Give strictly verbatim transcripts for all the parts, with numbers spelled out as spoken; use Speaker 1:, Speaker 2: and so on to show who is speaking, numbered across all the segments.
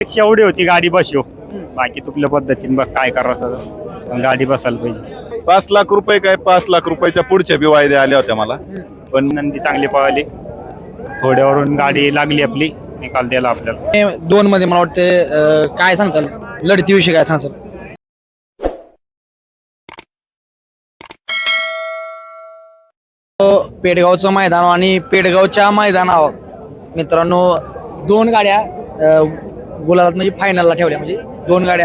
Speaker 1: पेक्षा एवढी होती गाडी बसव बाकी तुकल्या पद्धतीने बघ काय करायचं पण गाडी बसायला पाहिजे.
Speaker 2: पाच लाख रुपये काय पाच लाख रुपयाच्या पुढच्या बी वायद्या आल्या होत्या मला.
Speaker 1: पण नंदी चांगली पळाली थोड्यावरून गाडी लागली आपली निकाल द्यायला आपल्याला.
Speaker 3: दोन मध्ये मला वाटते अं, काय सांगताल लढतीविषयी काय सांगताल? पेडगावचं मैदान आणि पेडगावच्या मैदानावर मित्रांनो दोन गाड्या अं, गुलाबात म्हणजे फायनलला ठेवल्या. म्हणजे दोन गाड्या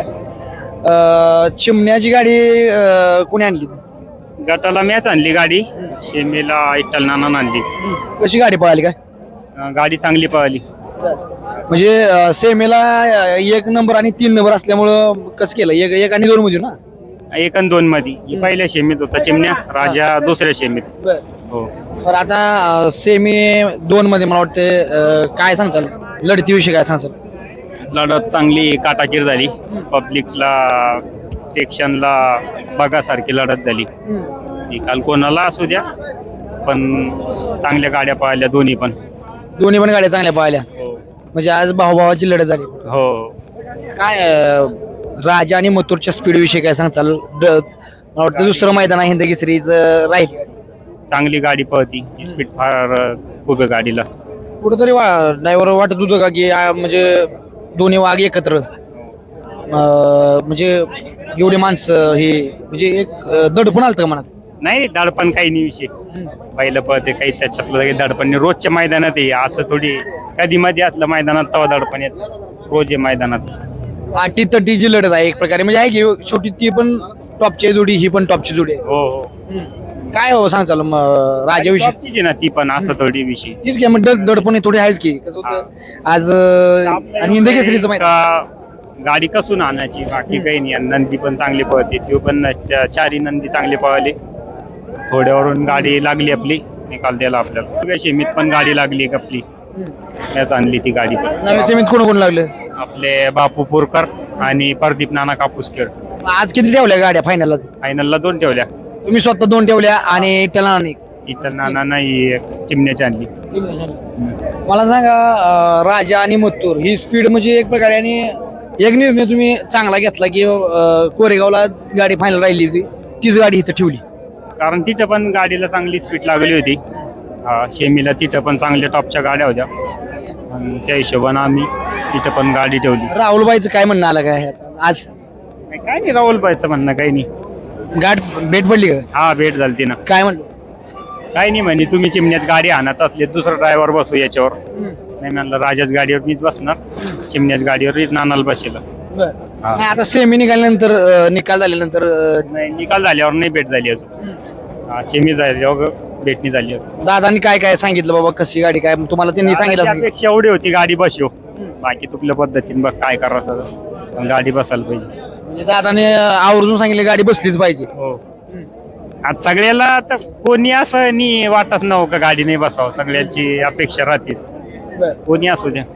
Speaker 3: अं, चिमण्याची गाडी अं, कोणी आणली?
Speaker 1: गटाला मॅच आणली गाडी शेमीला इट्टल नाना आणली.
Speaker 3: कशी गाडी पळाली काय?
Speaker 1: अं, गाडी चांगली पळाली.
Speaker 3: म्हणजे अं, सेमीला अं, एक नंबर आणि तीन नंबर असल्यामुळं कसं केलं एक एक आणि दोन मध्ये ना
Speaker 1: एक आणि दोन मध्ये ही पहिल्या शेमीत होता चिमण्या राजा दुसऱ्या शेमीत. हो
Speaker 3: तर आता अं, सेमी दोन मध्ये मला वाटते अं, काय सांगताल लढतीविषयी काय सांगताल?
Speaker 1: लढत चांगली काटाकीर झाली. पब्लिकला टेक्शनला बघासारखी लढत झाली. निकाल कोणाला असू द्या पण चांगल्या गाड्या पाहिल्या दोन्ही पण.
Speaker 3: दोन्ही पण गाड्या चांगल्या पाहिल्या म्हणजे आज भाऊभावाची लढत झाली.
Speaker 1: हो
Speaker 3: काय अं, राजा आणि मथुरच्या स्पीड विषयी काय सांगताल? ड- मला वाटतं दुसरं मैदान आहे हिंद केसरीच राहील.
Speaker 1: चांगली गाडी पळती स्पीड फार खूप आहे गाडीला.
Speaker 3: कुठंतरी ड्रायव्हर वाटत होतं का की आ, म्हणजे दोन्ही वाघ एकत्र अं, म्हणजे एवढी माणसं हे म्हणजे एक अं, दडपण आलं का मनात?
Speaker 1: नाही दडपण काही नाही विषय. पहिलं पळते काही त्याच्यातलं काही दडपण नाही. रोजच्या मैदानात आहे असं थोडी कधी मध्ये असलं मैदानात तेव्हा दडपण येत. रोज आहे मैदानात.
Speaker 3: आठी तटीची लढत आहे एक प्रकारे म्हणजे आहे की छोटी ती पण टॉपची जोडी ही पण टॉपची जोडी आहे.
Speaker 1: हो हो
Speaker 3: काय हो सांगचाल राजाविषयी?
Speaker 1: टॉपचीच आहे ना ती पण असं थोडी विषय.
Speaker 3: तीच की मग दड- दडपण थोडी आहेच की कसं होतं आज अं, आणि हिंद केसरीचं माहिती
Speaker 1: का- गाडी कसून आणायची बाकी काही नाही. आणि नंदी पण चांगली पळते ती पण च- चारी नंदी चांगली पळाली. थोड्यावरून गाडी लागली आपली निकाल द्यायला आपल्याला. सगळ्या शेमीत पण गाडी लागली आपली त्याच आणली ती गाडी पण.
Speaker 3: नवीन सेमीत कोण कोण लागलं?
Speaker 1: आपले बापू पोरकर आणि प्रदीप नाना कापूसखेड.
Speaker 3: आज किती ठेवल्या गाड्या फायनलला?
Speaker 1: फायनलला दोन ठेवल्या.
Speaker 3: तुम्ही स्वतः दोन ठेवल्या आणि त्याला
Speaker 1: इथं नाना नाही चिमण्याची आणली.
Speaker 3: मला सांगा अं, राजा आणि मथुर ही स्पीड म्हणजे एक प्रकारे आणि एक निर्णय तुम्ही चांगला घेतला की अं, कोरेगावला गाडी फायनल राहिली होती तीच गाडी इथं ठेवली.
Speaker 1: कारण तिथं पण गाडीला चांगली स्पीड लागली होती. हा, शेमीला तिथं पण चांगल्या टॉपच्या गाड्या होत्या आणि त्या हिशोबानं आम्ही तिथं पण गाडी ठेवली.
Speaker 3: राहुलबाईचं काय म्हणणं आलं काय आता? आज
Speaker 1: काय नाही राहुल पाहिजे म्हणणं काही नाही.
Speaker 3: गाठ भेट पडली का?
Speaker 1: हा भेट झाली ना.
Speaker 3: काय म्हणलं?
Speaker 1: काही नाही म्हणे तुम्ही चिमण्यात गाडी आणत असले दुसरा ड्रायव्हर बसू याच्यावर. नाही म्हणलं राजाच गाडीवर मीच बसणार चिमण्याच गाडीवर नानाला बसेल.
Speaker 3: नाही आता सेमी निघाल्यानंतर अं, निकाल झाल्यानंतर अं,
Speaker 1: नाही निकाल झाल्यावर नाही भेट झाली अजून. हा, सेमी झाल्यावर भेटणी झाली होती.
Speaker 3: दादांनी काय काय सांगितलं बाबा कशी गाडी काय तुम्हाला त्यांनी सांगितलं असेल.
Speaker 1: त्यापेक्षा एवढी होती गाडी बसव बाकी तुकल्या पद्धतीने बघ काय करायचं पण गाडी बसायला पाहिजे.
Speaker 3: म्हणजे दादाने आवर्जून सांगितलं गाडी बसलीच पाहिजे.
Speaker 1: हो आज सगळ्याला आता कोणी असं नाही वाटत नव्हतं का गाडी नाही बसावं. सगळ्यांची अपेक्षा राहतेच कोणी असू द्या.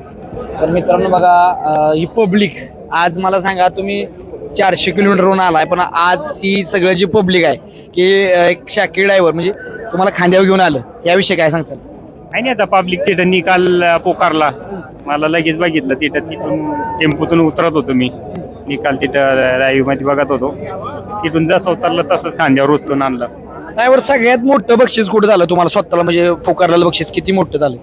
Speaker 3: तर मित्रांनो बघा अं, ही पब्लिक आज मला सांगा तुम्ही चारशे किलोमीटरवरून आलाय पण आज ही सगळं जी पब्लिक आहे की अं, एक शाकी ड्रायव्हर म्हणजे तुम्हाला खांद्यावर घेऊन आलं याविषयी काय सांगताल?
Speaker 1: काही नाही आता पब्लिक तिथं निकाल पोकारला मला लगेच बघितलं. तिथं तिथून टेम्पोतून उतरत होतो मी निकाल तिथं लाईव्ह मध्ये बघत होतो. तिथून जसं उतरलं तसंच खांद्यावर उचलून आणलं.
Speaker 3: ड्रायव्हर सगळ्यात मोठं बक्षीस कुठं झालं तुम्हाला स्वतःला म्हणजे पुकारलेलं बक्षीस किती मोठं झालं?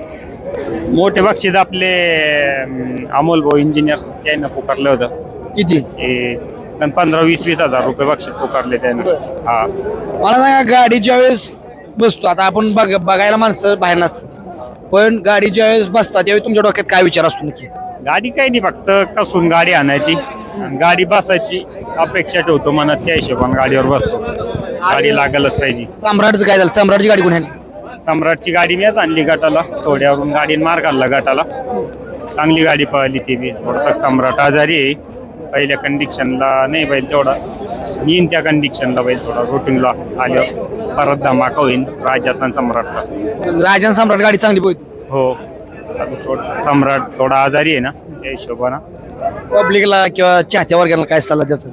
Speaker 1: मोठे बक्षीस आपले अं, अमोल भाऊ इंजिनियर त्यानं पुकारलं होतं.
Speaker 3: किती?
Speaker 1: हे पण पंधरा वीस वीस हजार रुपये बक्षीस पुकारले त्यानं. हा
Speaker 3: मला सांगा गाडी ज्यावेळेस बसतो आता आपण बघ बघायला माणसं बाहेर नसतात पण गाडी ज्यावेळेस बसतात त्यावेळी तुमच्या डोक्यात काय विचार असतो नक्की?
Speaker 1: गाडी काही नाही फक्त कसून गाडी आणायची आणि गाडी बसायची अपेक्षा ठेवतो मनात त्या हिशोबाने गाडीवर बसतो. गाडी लागलच पाहिजे.
Speaker 3: सम्राटचं काय झालं? सम्राटची गाडी कोण आहे?
Speaker 1: सम्राटची गाडी मीच आणली गटाला. थोड्यावरून गाडीने मार घालला गटाला. चांगली गाडी पळाली ती बी. थोडासा सम्राट आजारी आहे पहिल्या कंडिशनला नाही बैल तेवढा येईन त्या कंडिशनला बैल थोडा रुटीनला आल्यावर परत धमाका होईल राजाचा आणि सम्राटचा.
Speaker 3: राजन सम्राट गाडी चांगली पोहोचली.
Speaker 1: हो थोडं सम्राट थोडा आजारी आहे ना त्या हिशोबानं.
Speaker 3: पब्लिकला किंवा चाहत्या वर्गाला काय सल्ला द्यायचा?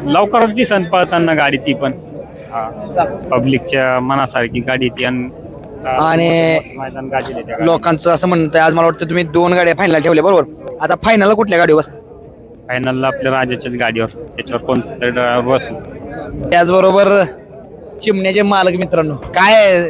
Speaker 1: लवकरच दिसन पळताना गाडी ती पण. हा पब्लिकच्या मनासारखी गाडी ती आणि
Speaker 3: आणि
Speaker 1: मैदान गाजले त्या
Speaker 3: लोकांचं असं म्हणतं आज मला वाटतं तुम्ही दोन गाड्या फायनल ठेवल्या बरोबर. आता फायनलला कुठल्या गाडीवर बसता?
Speaker 1: फायनलला आपल्या राजाच्याच गाडीवर त्याच्यावर कोणतं तरी ड्रायव्हर बसू.
Speaker 3: त्याचबरोबर चिमण्याचे मालक मित्रांनो काय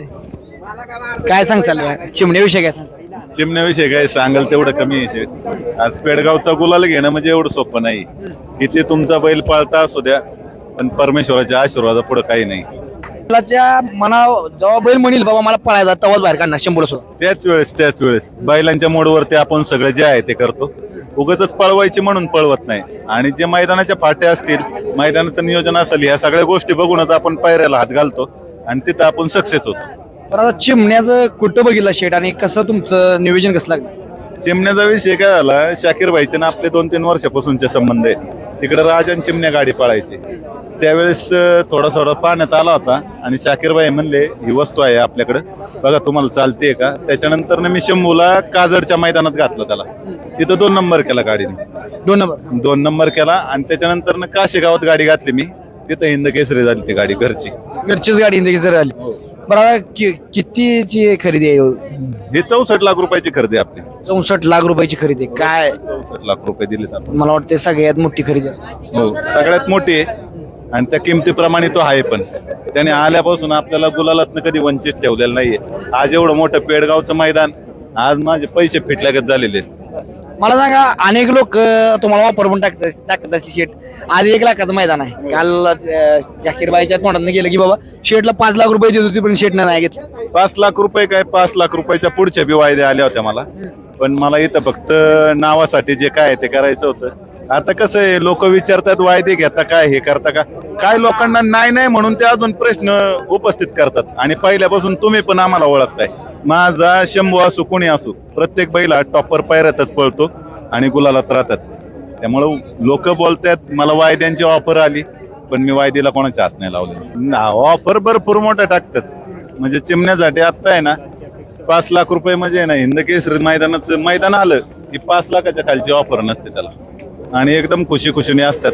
Speaker 3: काय सांगचाल या चिमण्याविषयी काय सांगचाल?
Speaker 2: चिमण्याविषयी काय सांगाल तेवढं कमी आहे. आज पेडगावचा गुलाल घेणं म्हणजे एवढं सोपं नाही. इथे तुमचा बैल पाळता असू द्या, पण परमेश्वराच्या आशीर्वादा पुढे काही नाही.
Speaker 3: बैलाच्या मना जेव्हा बैल म्हणेल बाबा मला पळायचा तवाच बाहेर काढणार शंभर सुद्धा.
Speaker 2: त्याच वेळेस त्याच वेळेस बैलांच्या मोडवरती आपण सगळं जे आहे ते करतो. उगाच पळवायची म्हणून पळवत नाही. आणि जे मैदानाच्या फाट्या असतील, मैदानाचं नियोजन असेल, ह्या सगळ्या गोष्टी बघूनच आपण पायऱ्याला हात घालतो आणि तिथं आपण सक्सेस होतो.
Speaker 3: पण आता चिमण्याचं कुठं बघितलं शेट आणि कसं तुमचं नियोजन कसं लागलं?
Speaker 2: चिमण्याचा विषय काय झाला, शाकीर भाईचे ना आपले दोन तीन वर्षापासूनचे संबंध आहेत. तिकडे राज आणि चिमण्या गाडी पळायची. त्यावेळेस थोडा थोडा पाण्यात आला होता आणि शाकीर भाई म्हणले ही वस्तू आहे आपल्याकडे बघा तुम्हाला चालते का. त्याच्यानंतर मी शंभूला काजडच्या मैदानात घातलं त्याला. तिथं दोन नंबर केला गाडीने.
Speaker 3: दोन नंबर
Speaker 2: दोन नंबर केला आणि त्याच्यानंतर काशी गावात गाडी घातली मी. तिथं हिंद केसरी झाली ती गाडी घरची.
Speaker 3: घरचीच गाडी इंदगी जर आली. बरं आता कि- कितीची खरेदी आहे?
Speaker 2: ही चौसष्ट लाख रुपयाची खरेदी आपली.
Speaker 3: चौसष्ट लाख रुपयाची खरेदी आहे. काय
Speaker 2: चौसष्ट लाख रुपये दिलेत आपण.
Speaker 3: मला वाटतं सगळ्यात मोठी खरेदी असते.
Speaker 2: हो सगळ्यात मोठी आहे आणि त्या किमतीप्रमाणे तो आहे. पण त्याने आल्यापासून आपल्याला गुलालातनं कधी वंचित ठेवलेलं नाहीये. आज एवढं मोठं पेडगावचं मैदान, आज माझे पैसे फिटल्यागत झालेले.
Speaker 3: मला सांगा अनेक लोक तुम्हाला वापर पण टाकत टाकत असली शेट. आज एक लाखाचं मैदान आहे. काल जाकीरबाईच्या तोंडात गेलं की बाबा शेटला पाच लाख रुपये देत होती पण शेटनं नाही घेतलं.
Speaker 2: पाच लाख रुपये काय पाच लाख रुपयाच्या पुढच्या बी वायदे आल्या होत्या मला. पण मला इथं फक्त नावासाठी जे काय ते करायचं होतं. आता कसं आहे, लोक विचारतात वायदे घेता काय हे करता का काय. लोकांना नाही नाही म्हणून ते अजून प्रश्न उपस्थित करतात. आणि पहिल्यापासून तुम्ही पण आम्हाला ओळखताय. माझा शंभू असू कोणी असू प्रत्येक बैला टॉपर पायऱ्यातच पळतो आणि गुलालात राहतात. त्यामुळं लोक बोलतात मला वायद्यांची ऑफर आली पण मी वायदेला कोणाच्या हात नाही लावले. ऑफर भरपूर मोठ्या टाकतात. म्हणजे चिमण्यासाठी आत्ता आहे ना पाच लाख रुपये म्हणजे ना हिंद केसरी मैदानाचं मैदान आलं की पाच लाखाच्या खालची ऑफर नसते त्याला. आणि एकदम खुशी खुशीने असतात.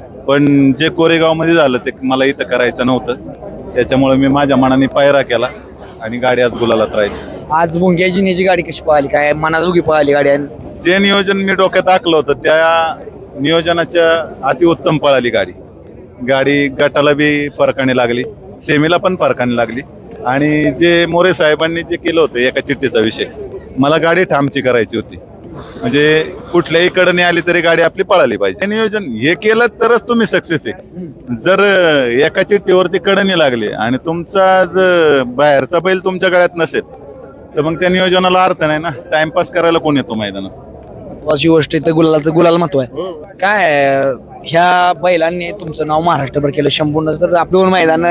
Speaker 2: पण जे कोरेगाव मध्ये झालं ते मला इथं करायचं नव्हतं. त्याच्यामुळे मी माझ्या मनाने पायरा केला आणि गाडी आज गुलालात राहिली.
Speaker 3: आज मुंग्याची नेची गाडी कशी पळाली काय मनाजोगी पळाली गाडी?
Speaker 2: जे नियोजन मी डोक्यात आखलं होतं त्या नियोजनाच्या अतिउत्तम पळाली गाडी. गाडी गटाला बी फरकाने लागली, सेमीला पण फरकाने लागली. आणि जे मोरे साहेबांनी जे केलं होतं एका चिठ्ठीचा विषय, मला गाडी ठामची करायची होती. म्हणजे कुठल्याही कडने आली तरी गाडी आपली पळाली पाहिजे. नियोजन हे केलं तरच तुम्ही सक्सेस आहे. जर एका चिठ्ठीवरती कडणी लागली आणि तुमचा जर बाहेरचा बैल तुमच्या गळ्यात नसेल तर मग त्या नियोजनाला अर्थ नाही ना. टाइमपास करायला कोण येतो मैदानात?
Speaker 3: अशी गोष्ट इथं गुलाला गुलाल महत्व आहे. काय ह्या बैलांनी तुमचं नाव महाराष्ट्रभर केलं. शंभून तर दोन मैदान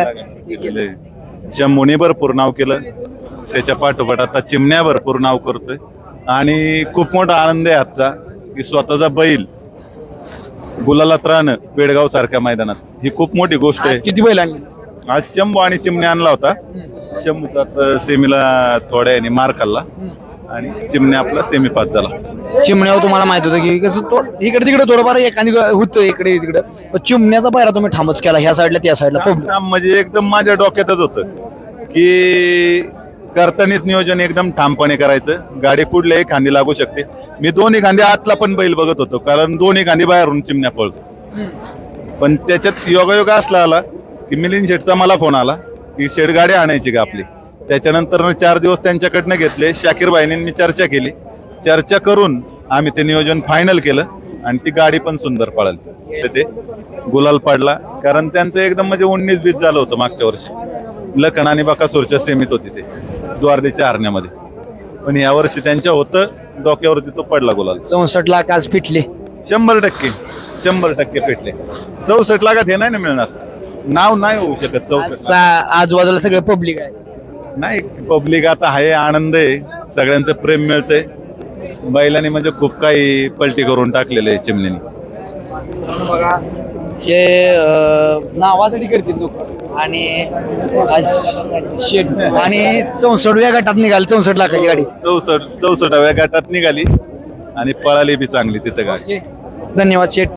Speaker 2: शंभूने भरपूर नाव केलं. त्याच्या पाठोपाठ आता चिमण्या भरपूर नाव करतोय. आणि खूप मोठा आनंद आहे आजचा की स्वतःचा बैल गुलालात राहणं पेडगाव सारख्या मैदानात ही खूप मोठी गोष्ट आहे.
Speaker 3: किती बैल आणली?
Speaker 2: आज शंभू आणि चिमण्या आणला होता. शंभूचा आता सेमीला थोड्या याने मार खाल्ला आणि चिमण्या आपला सेमी पास झाला.
Speaker 3: चिमण्यावर तुम्हाला माहित होतं की कसं तो इकडे तिकडे थोडंफार एखादी होतं इकडे तिकडे. पण चिमण्याचा पायरा तुम्ही ठामच केला ह्या साईडला त्या साईडला.
Speaker 2: म्हणजे एकदम माझ्या डोक्यातच होतं की करतानीच नियोजन एकदम ठामपणे करायचं. गाडी कुठल्याही खांदी लागू शकते. मी दोन्ही खांदी आतला पण बैल बघत होतो कारण दोन्ही खांदी बाहेरून चिमण्या पळतो. पण त्याच्यात योगायोग असला आला की मिलिंद शेठचा मला फोन आला की शेठ गाडी आणायची का आपली. त्याच्यानंतर चार दिवस त्यांच्याकडनं घेतले. शाकीर भाईने मी चर्चा केली. चर्चा करून आम्ही ते नियोजन फायनल केलं आणि ती गाडी पण सुंदर पळाली. ते गुलाल पडला कारण त्यांचं एकदम म्हणजे उन्नीस बीस झालं होतं मागच्या वर्षी. लखन आणि बकासूरच्या सेमीत होती ते द्वारदेच्या हरण्यामध्ये. पण या वर्षी त्यांच्या होतं डोक्यावरती तो पडला गुलाल.
Speaker 3: चौसष्ट लाख आज फिटले.
Speaker 2: शंभर टक्के शंभर टक्के पेटले. चौसष्ट लाखात हे नाही ना मिळणार. नाव नाही होऊ शकत चौसष्ट.
Speaker 3: आजूबाजूला सगळं पब्लिक आहे.
Speaker 2: नाही पब्लिक आता आहे. आनंद आहे. सगळ्यांचं प्रेम मिळतंय. बैलांनी म्हणजे खूप काही पलटी करून टाकलेलं आहे चिमण्यानी.
Speaker 3: हे नावासाठी करतील लोक. आणि आज शेट आणि चौसष्टव्या गटात निघाल चौसष्ट लाखाची गाडी.
Speaker 2: चौसष्ट चौसष्टाव्या गटात निघाली आणि पळाली बी चांगली तिथं गाडी.
Speaker 3: धन्यवाद शेट.